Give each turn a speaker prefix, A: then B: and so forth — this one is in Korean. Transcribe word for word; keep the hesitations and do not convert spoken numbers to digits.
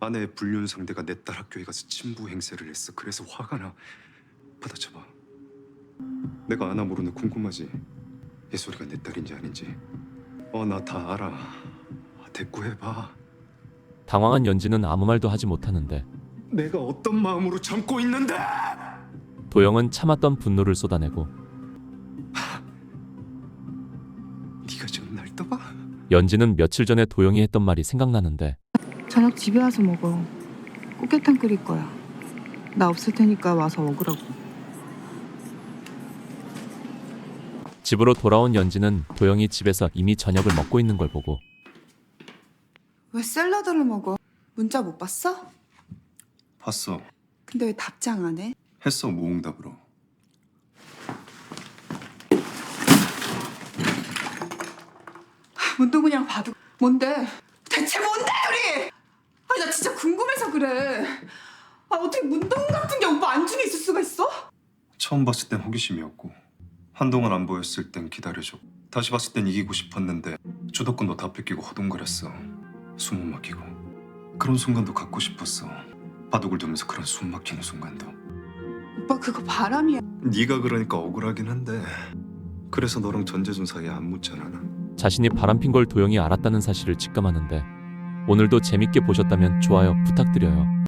A: 아내의 불륜 상대가 내 딸 학교에 가서 친부 행세를 했어. 그래서 화가 나. 받아쳐봐. 내가 아나 모르는 궁금하지? 예솔이가 내 딸인지 아닌지. 어, 나 다 알아. 대꾸해봐.
B: 당황한 연지는 아무 말도 하지 못하는데
A: 내가 어떤 마음으로 참고 있는데!
B: 도영은 참았던 분노를 쏟아내고
A: 네가 지금 날 떠봐?
B: 연지는 며칠 전에 도영이 했던 말이 생각나는데
C: 저녁 집에 와서 먹어. 꽃게탕 끓일 거야. 나 없을 테니까 와서 먹으라고.
B: 집으로 돌아온 연지는 도영이 집에서 이미 저녁을 먹고 있는 걸 보고
D: 왜 샐러드를 먹어? 문자 못 봤어?
A: 봤어.
D: 근데 왜 답장 안 해?
A: 했어, 무응답으로.
D: 문동은이랑 봐도 뭔데? 대체 뭔데 우리? 아니 나 진짜 궁금해서 그래. 아 어떻게 문동은 같은 게 오빠 안중에 있을 수가 있어?
A: 처음 봤을 땐 호기심이었고 한동안 안 보였을 땐 기다려줘. 다시 봤을 땐 이기고 싶었는데 주도권도 다 뺏기고 허둥거렸어. 숨 못 막히고. 그런 순간도 갖고 싶었어. 바둑을 두면서 그런 숨 막히는 순간도.
D: 오빠 그거 바람이야.
A: 네가 그러니까 억울하긴 한데 그래서 너랑 전재준 사이에 안 묻잖아. 난.
B: 자신이 바람핀 걸 도영이 알았다는 사실을 직감하는데 오늘도 재밌게 보셨다면 좋아요 부탁드려요.